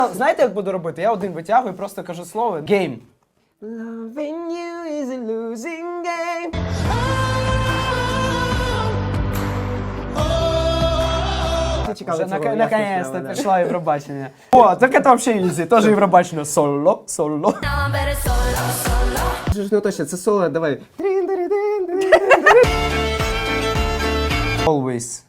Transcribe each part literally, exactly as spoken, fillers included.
Знаєте, як буду робити? Я один витягую і просто кажу слово game. Loving you is a losing game. Вже наконец-то прийшла Євробачення. О, так це взагалі ізі, теж Євробачення. Соло, соло. Ж, ну точно, це соло, давай. Always.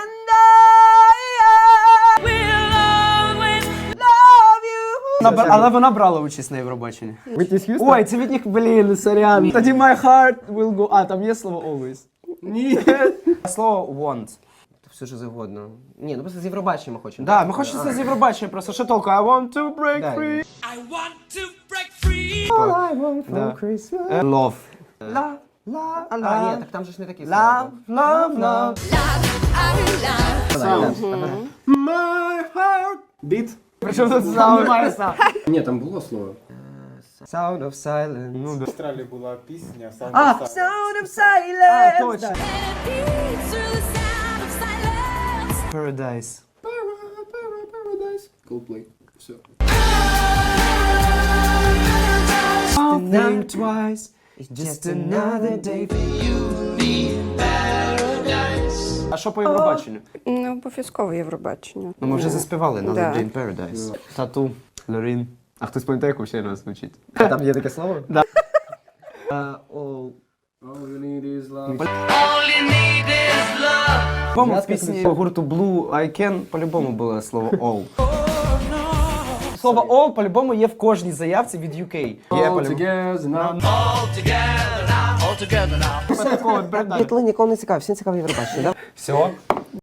Вона- Але вона брала участь на Євробаченні. Whitney Houston? Ой, це від них, блін, сорян. Тоді my heart will go... А, там є слово always. Ні. Слово want. Все що завгодно. Ні, ну просто з Євробачення ми хочемо. Да, ми хочемо це з Євробачення просто. Що толку? I want to break Да. free. I want to break free. All I want Да. for Christmas. Love. Ла, ла, а, ні, так там же ж не такі Love, love, love. слова. My heart. Біт. Причому тут саме має сам. Ні, там було слово. Sound of silence. Ну, да. В Австралії була пісня Sound А, of Silence. Sound of silence. А, точно. Paradise. Coldplay. Все. Think twice. It's just another day for you. А що по Євробаченню? Не обов'язково Євробачення. Ну, ми вже заспівали на Да. Jane Paradise. Тату, Лорін. А хтось пам'ятає, як взагалі нас звучить? А там є таке слово? Да. Uh, all, all you need is love. По-моєму, в Зв'язка пісні гурту Blue I Can по-любому було слово all. Слово all по-любому є в кожній заявці від ю кей. Є All по-любому. together now. All together now, all together now. Бітло нікого не цікавить, всім цікаво Євробачення, да? Все.